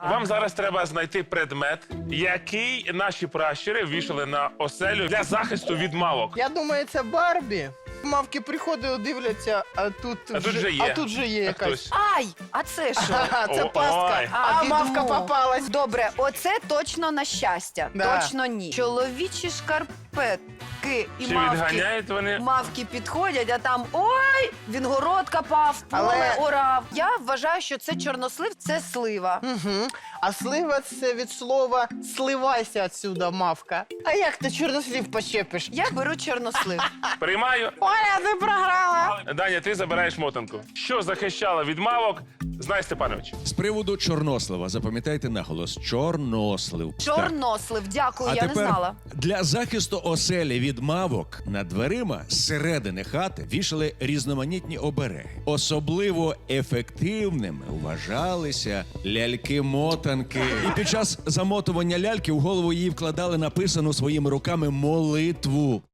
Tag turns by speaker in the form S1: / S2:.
S1: Вам зараз треба знайти предмет, який наші пращури вішали на оселю для захисту від мавок.
S2: Я думаю, це Барбі. Мавки приходили, дивляться, а тут вже є якась.
S1: Хтось.
S3: Ай, а це що?
S2: Ага, це
S1: Ой.
S2: пастка. А мавка
S3: відмо.
S2: попалась.
S3: Добре, оце точно на щастя.
S2: Да.
S3: Точно ні. Чоловічі шкарпетки і
S1: Чи
S3: мавки.
S1: відганяють вони?
S3: Мавки підходять, а там ой, він город копав, поле
S2: Але-
S3: орав. Я вважаю, що це чорнослив, це слива.
S2: Угу. А слива це від слова «сливайся отсюда, мавка». А як ти чорнослів почепиш?
S3: Я беру чорнослив.
S1: Приймаю.
S2: Оля, ти програла.
S1: Даня, ти забираєш мотанку. Що захищало від мавок, знай Степанович.
S4: З приводу чорнослива, запам'ятайте наголос. Чорнослив. Так.
S3: Чорнослив, дякую,
S4: А
S3: я не
S4: тепер
S3: знала.
S4: для захисту оселі від мавок над дверима зсередини хати вішали різноманітні обереги. Особливо ефективними вважалися ляльки-мотанки. І під час замотування ляльки в голову її вкладали написану своїми руками молитву.